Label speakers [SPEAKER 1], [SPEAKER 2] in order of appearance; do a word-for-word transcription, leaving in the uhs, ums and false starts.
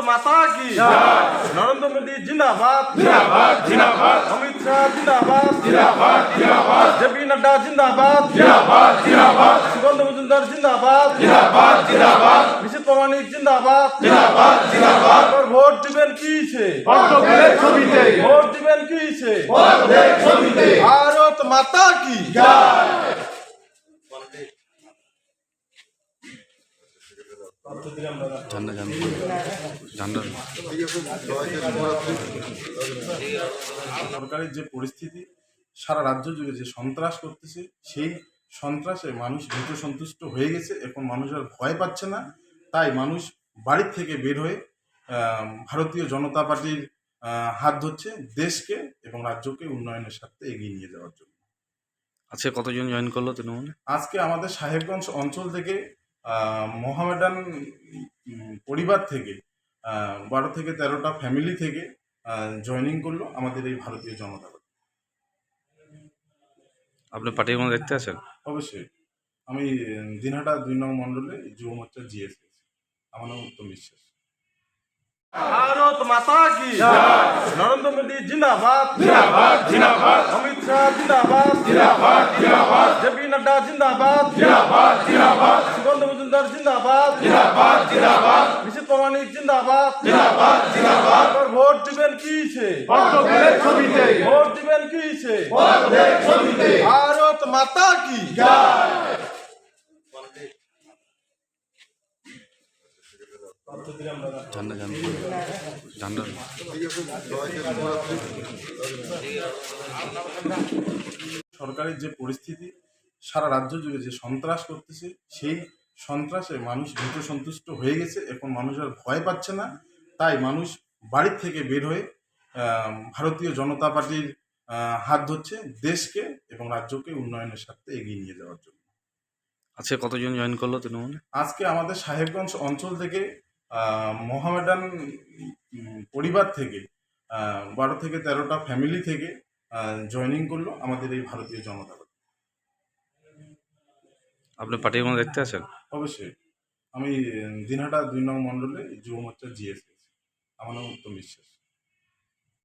[SPEAKER 1] माता की नरेंद्र मोदी जिंदाबाद अमित शाह जिंदाबाद जेपी नड्डा जिंदाबाद सुगंध मजुमदार जिंदाबाद निशित प्रामाणिक जिंदाबाद और ভোট দিবেন কিসে ভোট দিবেন কিসে ভারত মাতা কি
[SPEAKER 2] ঝান্ডা ঝান্ডা
[SPEAKER 1] সরকারের যে পরিস্থিতি সারা রাজ্য জুড়ে যে সন্ত্রাস করতেছে সেই সন্ত্রাসে মানুষ ভীত সন্তুষ্ট হয়ে গেছে। এখন মানুষ আর ভয় পাচ্ছে না, তাই মানুষ বাড়ির থেকে বের হয়ে ভারতীয় জনতা পার্টির হাত ধরছে দেশকে এবং রাজ্যকে উন্নয়নের স্বার্থে এগিয়ে নিয়ে যাওয়ার জন্য।
[SPEAKER 2] আজকে কতজন জয়েন করলো তৃণমূলে?
[SPEAKER 1] আজকে আমাদের সাহেবগঞ্জ অঞ্চল থেকে মোহামেডান পরিবার থেকে বারো থেকে তেরোটা ফ্যামিলি থেকে জয়েনিং করলো আমাদের এই ভারতীয় জনতা পার্টি।
[SPEAKER 2] আপনি পার্টির মধ্যে দেখতে আছেন?
[SPEAKER 1] অবশ্যই, আমি দিনহাটা দুই নং মন্ডলে যুব মোর্চার জিএস, আমার নাম উত্তম বিশ্বাস। भारत माता की नरेंद्र मोदी जिंदाबाद अमित शाह जिंदाबाद जेपी नड्डा जिंदाबाद सुगंध मजुमदार जिंदाबाद निशित प्रामाणिक जिंदाबाद और ভোট দিবেন কিসে ভোট দিবেন কিসে भारत माता की
[SPEAKER 2] ঝান্ডা ঝান্ডা
[SPEAKER 1] সরকারের যে পরিস্থিতি সারা রাজ্য জুড়ে যে সন্ত্রাস করতেছে সেই সন্ত্রাসে মানুষ ভীত সন্তুষ্ট হয়ে গেছে। এখন মানুষ আর ভয় পাচ্ছে না, তাই মানুষ বাড়ির থেকে বের হয়ে ভারতীয় জনতা পার্টির হাত ধরছে দেশকে এবং রাজ্যকে উন্নয়নের স্বার্থে এগিয়ে নিয়ে যাওয়ার জন্য।
[SPEAKER 2] আজকে কতজন জয়েন করলো তৃণমূলে?
[SPEAKER 1] আজকে আমাদের সাহেবগঞ্জ অঞ্চল থেকে মোহামেডান পরিবার থেকে বারো থেকে তেরোটা ফ্যামিলি থেকে জয়েনিং করলো আমাদের এই ভারতীয় জনতা পার্টি।
[SPEAKER 2] আপনি পার্টির মধ্যে দেখতে আছেন?
[SPEAKER 1] অবশ্যই, আমি দিনহাটা দুই নং মন্ডলে যুব মোর্চার জিএস, আমার নাম উত্তম বিশ্বাস।